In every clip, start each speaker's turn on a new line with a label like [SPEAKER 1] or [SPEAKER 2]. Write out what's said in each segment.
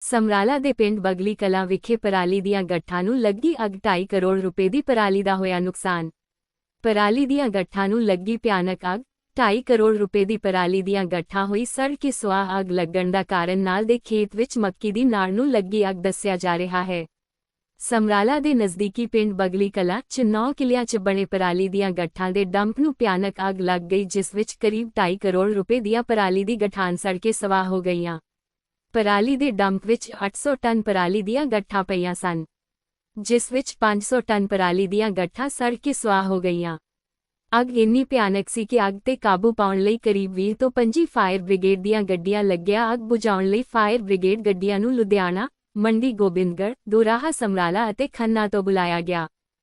[SPEAKER 1] ਸਮਰਾਲਾ ਦੇ ਪਿੰਡ ਬਗਲੀ ਕਲਾਂ ਵਿਖੇ ਪਰਾਲੀ ਦੀਆਂ ਗੱਠਾਂ ਨੂੰ ਲੱਗੀ ਅੱਗ 2.5 ਕਰੋੜ ਰੁਪਏ ਦੀ ਪਰਾਲੀ ਦਾ ਹੋਇਆ ਨੁਕਸਾਨ। ਪਰਾਲੀ ਦੀਆਂ ਗੱਠਾਂ ਨੂੰ ਲੱਗੀ ਭਿਆਨਕ ਅੱਗ। 2.5 ਕਰੋੜ ਰੁਪਏ ਦੀ ਪਰਾਲੀ ਦੀਆਂ ਗੱਠਾਂ ਹੋਈ ਸੜ ਕੇ ਸੁਆਹ। ਅੱਗ ਲੱਗਣ ਦਾ ਕਾਰਨ ਨਾਲ ਦੇ ਖੇਤ ਵਿੱਚ ਮੱਕੀ ਦੀ ਨਾੜ ਨੂੰ ਲੱਗੀ ਅੱਗ ਦੱਸਿਆ ਜਾ ਰਿਹਾ ਹੈ। ਸਮਰਾਲਾ ਦੇ ਨਜ਼ਦੀਕੀ ਪਿੰਡ ਬਗਲੀ ਕਲਾਂ 'ਚ 9 ਕਿੱਲਿਆਂ 'ਚ ਬਣੇ ਪਰਾਲੀ ਦੀਆਂ ਗੱਠਾਂ ਦੇ ਡੰਪ ਨੂੰ ਭਿਆਨਕ ਅੱਗ ਲੱਗ ਗਈ, ਜਿਸ ਵਿੱਚ ਕਰੀਬ 2.5 ਕਰੋੜ ਰੁਪਏ ਦੀਆਂ ਪਰਾਲੀ ਦੀ ਗੱਠਾਂ ਸੜ ਕੇ ਸਵਾਹ ਹੋ ਗਈਆਂ। ਪਰਾਲੀ ਦੇ ਡੰਪ ਵਿੱਚ 800 ਟਨ ਪਰਾਲੀ ਦੀਆਂ ਗੱਠਾਂ ਪਈਆਂ ਸਨ, ਜਿਸ ਵਿੱਚ 500 ਟਨ ਪਰਾਲੀ ਦੀਆਂ ਗੱਠਾਂ ਸੜ ਕੇ ਸੁਆਹ ਹੋ ਗਈਆਂ। ਅੱਗ ਇੰਨੀ ਭਿਆਨਕ ਸੀ ਕਿ ਅੱਗ ਤੇ ਕਾਬੂ ਪਾਉਣ ਲਈ ਕਰੀਬ 20 ਤੋਂ 25 ਫਾਇਰ ਬ੍ਰਿਗੇਡ ਦੀਆਂ ਗੱਡੀਆਂ ਲੱਗੀਆਂ। ਅੱਗ ਬੁਝਾਉਣ ਲਈ ਫਾਇਰ ਬ੍ਰਿਗੇਡ ਗੱਡੀਆਂ ਨੂੰ ਲੁਧਿਆਣਾ, ਮੰਡੀ ਗੋਬਿੰਦਗੜ੍ਹ, ਦੋਰਾਹਾ, ਸਮਰਾਲਾ ਅਤੇ ਖੰਨਾ ਤੋਂ ਬੁਲਾਇਆ ਗਿਆ।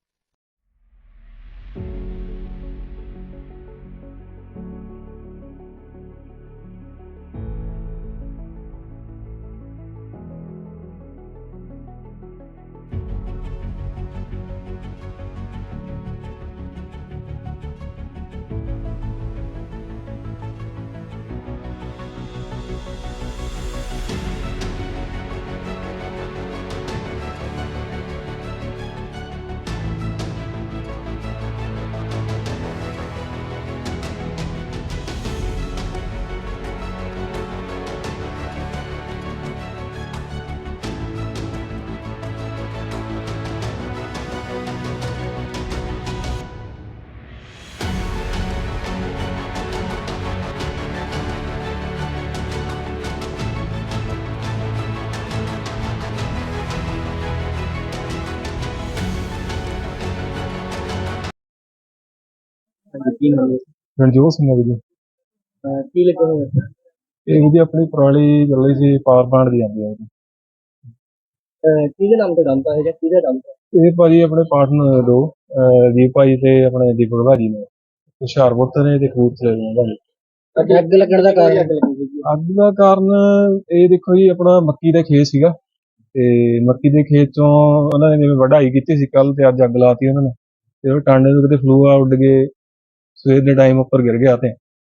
[SPEAKER 2] ਕੀ ਨਾਮ ਹੈ?
[SPEAKER 3] ਰਣਜੋਤ ਸਿੰਘ ਹੈ ਜੀ।
[SPEAKER 2] ਕੀ ਲੱਗਾ ਹੋਇਆ?
[SPEAKER 3] ਇਹ ਜੀ ਆਪਣੀ ਪਰਾਲੀ ਚੱਲੀ ਸੀ, ਪਾਵਰ ਪਲਾਂਟ ਦੀ ਜਾਂਦੀ ਹੈ ਜੀ।
[SPEAKER 2] ਕਿਹਦੇ ਨਾਮ ਤੇ ਡੰਪ ਹੈ ਜਾਂ ਕਿਹਦਾ ਡੰਪ ਹੈ?
[SPEAKER 3] ਇਹ ਭਾਜੀ ਆਪਣੇ ਪਾਰਟਨਰ ਦੋ, ਜੀ ਭਾਜੀ ਤੇ ਆਪਣੇ ਦੀਪਕ ਭਾਜੀ ਨੇ, ਹੁਸ਼ਿਆਰਪੁਰ ਤੋਂ ਨੇ ਤੇ ਕਪੂਰਥਲੇ ਦੇ ਨੇ ਭਾਜੀ।
[SPEAKER 2] ਅੱਗ ਲੱਗਣ ਦਾ ਕਾਰਨ ਅੱਗ ਲੱਗੀ ਸੀ?
[SPEAKER 3] ਅੱਗ ਦਾ ਕਾਰਨ ਇਹ ਦੇਖੋ ਜੀ, ਆਪਣਾ ਮੱਕੀ ਦਾ ਖੇਤ ਸੀਗਾ ਤੇ ਮੱਕੀ ਦੇ ਖੇਤ ਚੋਂ ਉਹਨਾਂ ਨੇ ਜਿਵੇਂ ਵਢਾਈ ਕੀਤੀ ਸੀ ਕੱਲ, ਤੇ ਅੱਜ ਅੱਗ ਲਾਤੀ ਉਹਨਾਂ ਨੇ। ਤੇ ਉਹ ਟਾਂਡੇ ਤੋਂ ਕਿਤੇ ਫਲੂਆ ਉੱਡ ਕੇ ਸਵੇਰ ਦੇ ਟਾਈਮ ਉੱਪਰ ਗਿਰ ਗਿਆ ਤੇ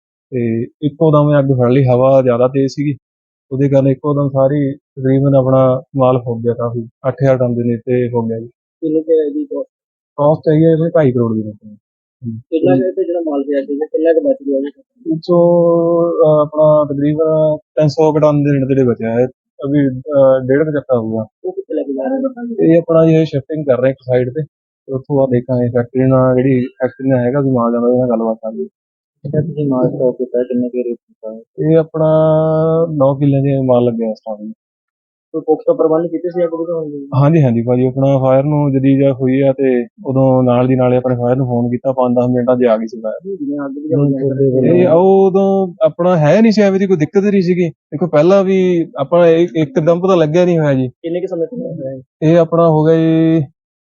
[SPEAKER 3] ਇੱਕੋ ਦਮ ਅੱਗ ਫੜ ਲਈ। ਹਵਾ ਜ਼ਿਆਦਾ ਤੇਜ਼ ਸੀਗੀ, ਉਹਦੇ ਕਾਰਨ ਇੱਕੋ ਦਮ ਸਾਰੀ ਤਕਰੀਬਨ ਆਪਣਾ ਮਾਲ ਫੁੱਕ ਗਿਆ। ਕਾਫੀ 8000 ਟਨ ਦੇ ਨੇੜੇ ਹੋ ਗਿਆ ਜੀ।
[SPEAKER 2] ਕਿੰਨੇ ਕੁ ਹੈ ਜੀ cost?
[SPEAKER 3] ਕਾਸਟ ਹੈਗੀ ਹੈ 2.5 ਕਰੋੜ ਦੀ।
[SPEAKER 2] ਕਿੰਨਾ ਕੁ ਤੇ ਜਿਹੜਾ ਮਾਲ ਪਿਆ ਸੀਗਾ ਕਿੰਨਾ ਕੁ ਬਚ ਗਿਆ ਜੀ?
[SPEAKER 3] ਵਿੱਚੋਂ ਆਪਣਾ ਤਕਰੀਬਨ 300 ਟਨ ਦੇ ਨੇੜੇ ਬਚਿਆ ਹੈ। ਅਭੀ 1.5 ਚੱਕਾ ਹੋਊਗਾ।
[SPEAKER 2] ਉਹ ਕਿੱਥੇ ਲੈ ਕੇ ਜਾ ਰਹੇ ਨੇ?
[SPEAKER 3] ਇਹ ਆਪਣਾ ਜੀ ਸ਼ਿਫਟਿੰਗ ਕਰ ਰਹੇ ਇੱਕ ਸਾਈਡ ਤੇ ਉੱਥੋਂ ਬਾਅਦ ਦੇਖਾਂਗੇ ਫੈਕਟਰੀ ਨਾਲ, ਜਿਹੜੀ ਫੈਕਟਰੀ ਨਾਲ ਹੈਗਾ ਵੀ ਮਾਲ ਜਾਂਦਾ, ਉਹਦੇ ਨਾਲ ਗੱਲਬਾਤ ਕਰਾਂਗੇ।
[SPEAKER 2] ਅੱਛਾ, ਤੁਸੀਂ ਮਾਲ ਸਟਾਕ ਕੀਤਾ ਕਿੰਨੇ ਕੁ ਰੇਟ ਕੀਤਾ?
[SPEAKER 3] ਇਹ ਆਪਣਾ 9 ਕਿੱਲੇ ਦੇ ਮਾਲ ਲੱਗਿਆ ਸਟਾਰਟਿੰਗ।
[SPEAKER 2] ਕੋਈ ਪੁਖਤਾ ਪ੍ਰਬੰਧ ਕੀਤੇ ਸੀ ਅੱਗ ਬੁਝਾਉਣ ਦੇ?
[SPEAKER 3] ਹਾਂਜੀ ਹਾਂਜੀ ਭਾਜੀ, ਆਪਣਾ ਫਾਇਰ ਨੂੰ ਜਦੀ ਜਾਂ ਹੋਈ ਆ ਤੇ ਉਦੋਂ ਨਾਲ ਦੀ ਨਾਲੇ ਆਪਣੇ ਫਾਇਰ ਨੂੰ ਫੋਨ ਕੀਤਾ, 5-10 ਮਿੰਟਾਂ 'ਚ ਆ ਗਈ ਸੀ ਫਾਇਰ।
[SPEAKER 2] ਜਿਵੇਂ ਅੱਗ ਬੁਝਾਉਣ
[SPEAKER 3] ਇਹ ਉਦੋਂ ਆਪਣਾ ਹੈ ਨਹੀਂ ਸੀ, ਐਵੇਂ ਦੀ ਕੋਈ ਦਿੱਕਤ ਨਹੀਂ ਸੀਗੀ। ਦੇਖੋ ਪਹਿਲਾਂ ਵੀ ਆਪਣਾ ਇੱਕਦਮ ਪਤਾ ਲੱਗਿਆ ਨਹੀਂ ਹੋਇਆ ਜੀ।
[SPEAKER 2] ਕਿੰਨੇ ਕੁ ਸਮੇਂ ਤੋਂ ਹੋਇਆ ਹੈ?
[SPEAKER 3] ਇਹ ਆਪਣਾ ਹੋ ਗਿਆ ਜੀ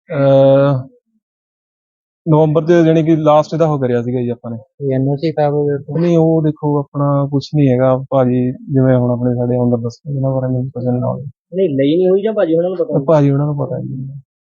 [SPEAKER 3] ਨਵੰਬਰ ਦੇ, ਜਾਣੀ ਕਿ ਲਾਸਟ ਦਾ ਹੋ ਕਰਿਆ ਸੀਗਾ ਜੀ ਆਪਾਂ ਨੇ।
[SPEAKER 2] ਐਨਓਸੀ ਖਰਾਬ ਹੋ ਗਿਆ?
[SPEAKER 3] ਨਹੀਂ, ਉਹ ਦੇਖੋ ਆਪਣਾ ਕੁਛ ਨਹੀਂ ਹੈਗਾ ਭਾਜੀ, ਜਿਵੇਂ ਹੁਣ ਆਪਣੇ ਸਾਡੇ ਅੰਦਰ ਦੱਸੋ ਇਹਨਾਂ ਬਾਰੇ ਮੈਨੂੰ ਪਤਾ ਨਹੀਂ।
[SPEAKER 2] ਨਹੀਂ ਲਈ ਨਹੀਂ ਹੋਈ ਜਾਂ ਭਾਜੀ ਉਹਨਾਂ ਨੂੰ ਪਤਾ?
[SPEAKER 3] ਭਾਜੀ ਉਹਨਾਂ ਨੂੰ ਪਤਾ ਜੀ।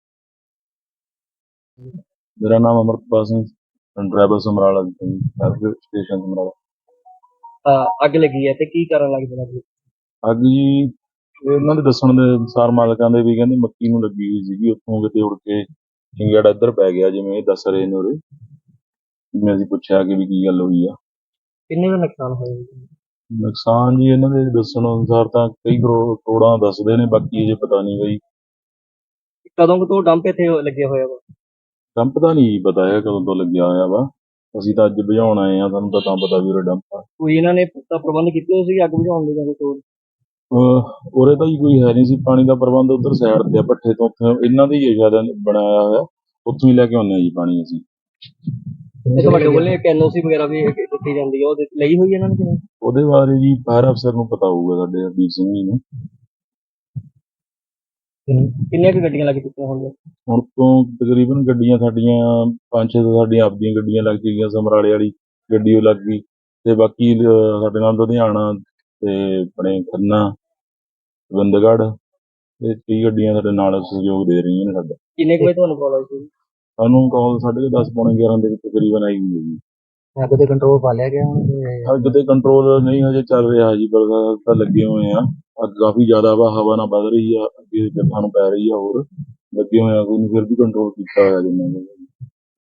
[SPEAKER 4] ਮੇਰਾ ਨਾਮ ਅਮਰਪਾਲ ਸਿੰਘ, ਡਰਾਈਵਰ ਸਮਰਾਲਾ ਸਟੇਸ਼ਨ ਸਮਰਾਲਾ।
[SPEAKER 2] ਅੱਗ ਲੱਗੀ ਹੈ ਤੇ ਕੀ ਕਾਰਨ ਲੱਗਦਾ?
[SPEAKER 4] ਅੱਗ ਜੀ ਇਹਨਾਂ ਦੇ ਦੱਸਣ ਦੇ ਅਨੁਸਾਰ ਮਾਲਕਾਂ ਦੇ ਵੀ ਕਹਿੰਦੇ ਮੱਕੀ ਨੂੰ ਲੱਗੀ ਹੋਈ ਸੀਗੀ, ਉੱਥੋਂ ਕਿਤੇ ਉੜ ਕੇ ਚਿੰਗੜਾ ਇੱਧਰ ਪੈ ਗਿਆ, ਜਿਵੇਂ ਇਹ ਦੱਸ ਰਹੇ ਨੇ ਉਰੇ। ਜਿਵੇਂ ਅਸੀਂ ਪੁੱਛਿਆ ਕਿ ਵੀ ਕੀ ਗੱਲ ਹੋਈ ਆ।
[SPEAKER 2] ਕਿੰਨੇ ਦਾ ਨੁਕਸਾਨ ਹੋਇਆ?
[SPEAKER 4] ਨੁਕਸਾਨ ਜੀ ਇਹਨਾਂ ਦੇ ਦੱਸਣ ਅਨੁਸਾਰ ਤਾਂ ਕਈ ਕਰੋੜਾਂ ਦੱਸਦੇ ਨੇ, ਬਾਕੀ ਅਜੇ ਪਤਾ ਨਹੀਂ ਬਈ।
[SPEAKER 2] ਕਦੋਂ ਕੁ ਤੋਂ ਡੰਪ ਇੱਥੇ ਲੱਗਿਆ ਹੋਇਆ ਵਾ?
[SPEAKER 4] ਡੰਪ ਦਾ ਨਹੀਂ ਪਤਾ ਹੈ ਕਦੋਂ ਤੋਂ ਲੱਗਿਆ ਹੋਇਆ ਵਾ। ਅਸੀਂ ਤਾਂ ਅੱਜ ਬੁਝਾਉਣ ਆਏ ਆ, ਸਾਨੂੰ ਤਾਂ ਪਤਾ ਵੀ ਉਰੇ ਡੰਪ ਆ।
[SPEAKER 2] ਕੋਈ ਇਹਨਾਂ ਨੇ ਪੁਖਤਾ ਪ੍ਰਬੰਧ ਕੀਤੇ ਹੋਏ ਸੀ ਅੱਗ ਬੁਝਾਉਣ ਦੇ ਜਾਂ ਕੁਛ ਹੋਰ?
[SPEAKER 4] ਉਰੇ ਤਾਂ ਜੀ ਕੋਈ ਹੈ ਨਹੀਂ ਸੀ ਪਾਣੀ ਦਾ ਪ੍ਰਬੰਧ। ਉੱਧਰ ਸਾਈਡ ਤੇ ਆ ਭੱਠੇ ਤੋਂ, ਉੱਥੇ ਇਹਨਾਂ ਦੀ ਹੀ ਸ਼ਾਇਦ ਬਣਾਇਆ ਹੋਇਆ, ਉੱਥੋਂ ਹੀ ਲੈ ਕੇ ਆਉਂਦੇ ਆ ਜੀ ਪਾਣੀ ਅਸੀਂ।
[SPEAKER 2] ਤੁਹਾਡੇ ਕੋਲ ਇੱਕ ਐਨਓਸੀ ਵਗੈਰਾ ਵੀ ਦਿੱਤੀ ਜਾਂਦੀ ਹੈ, ਉਹ ਲਈ ਹੋਈ ਇਹਨਾਂ ਨੇ ਕਿ ਨਹੀਂ?
[SPEAKER 4] ਉਹਦੇ ਬਾਰੇ ਜੀ ਫਾਇਰ ਅਫਸਰ ਨੂੰ ਪਤਾ ਹੋਊਗਾ, ਸਾਡੇ ਹਰਦੀਪ ਸਿੰਘ ਜੀ ਨੂੰ।
[SPEAKER 2] ਕਿੰਨੀਆਂ ਕੁ ਗੱਡੀਆਂ ਲੱਗ ਚੁੱਕੀਆਂ ਹੋਣਗੀਆਂ
[SPEAKER 4] ਹੁਣ ਤੋਂ? ਤਕਰੀਬਨ ਗੱਡੀਆਂ ਸਾਡੀਆਂ 5-6 ਸਾਡੀਆਂ ਆਪਦੀਆਂ ਗੱਡੀਆਂ ਲੱਗ ਗਈਆਂ। ਸਮਰਾਲੇ ਵਾਲੀ ਗੱਡੀ ਉਹ ਲੱਗ ਗਈ, ਤੇ ਬਾਕੀ ਸਾਡੇ ਨਾਲ ਲੁਧਿਆਣਾ ਤੇ ਆਪਣੇ ਖੰਨਾ, ਗੋਬਿੰਦਗੜ੍ਹ, ਇਹ 30 ਗੱਡੀਆਂ ਸਾਡੇ ਨਾਲ ਸਹਿਯੋਗ ਦੇ ਰਹੀਆਂ ਨੇ ਸਾਡਾ।
[SPEAKER 2] ਕਿੰਨੇ ਕੁ ਵਜੇ ਤੁਹਾਨੂੰ ਕਾਲ ਆਈ ਸੀ?
[SPEAKER 4] ਸਾਨੂੰ ਕਾਲ 10:30 ਪੌਣੇ 11 ਦੇ ਵਿੱਚ ਤਕਰੀਬਨ ਆਈ ਹੋਈ ਹੈ ਜੀ।
[SPEAKER 2] ਅੱਗ ਤੇ ਕੰਟਰੋਲ ਪਾ ਲਿਆ ਗਿਆ ਹੁਣ ਤੇ
[SPEAKER 4] ਅੱਗ ਤੇ ਕੰਟਰੋਲ ਨਹੀਂ ਹਜੇ ਚੱਲ ਰਿਹਾ ਜੀ, ਬਲਦਾ ਤਾਂ ਲੱਗੇ ਹੋਏ ਆ। ਅੱਗ ਕਾਫੀ ਜ਼ਿਆਦਾ ਵਾ, ਹਵਾ ਨਾਲ ਵੱਧ ਰਹੀ ਆ, ਅੱਗੇ ਜੱਟਾਂ ਨੂੰ ਪੈ ਰਹੀ ਆ, ਹੋਰ ਲੱਗੇ ਹੋਏ ਆ, ਕੋਈ ਫਿਰ ਵੀ ਕੰਟਰੋਲ ਕੀਤਾ ਹੋਇਆ ਜਿੰਨਾ ਕੁ।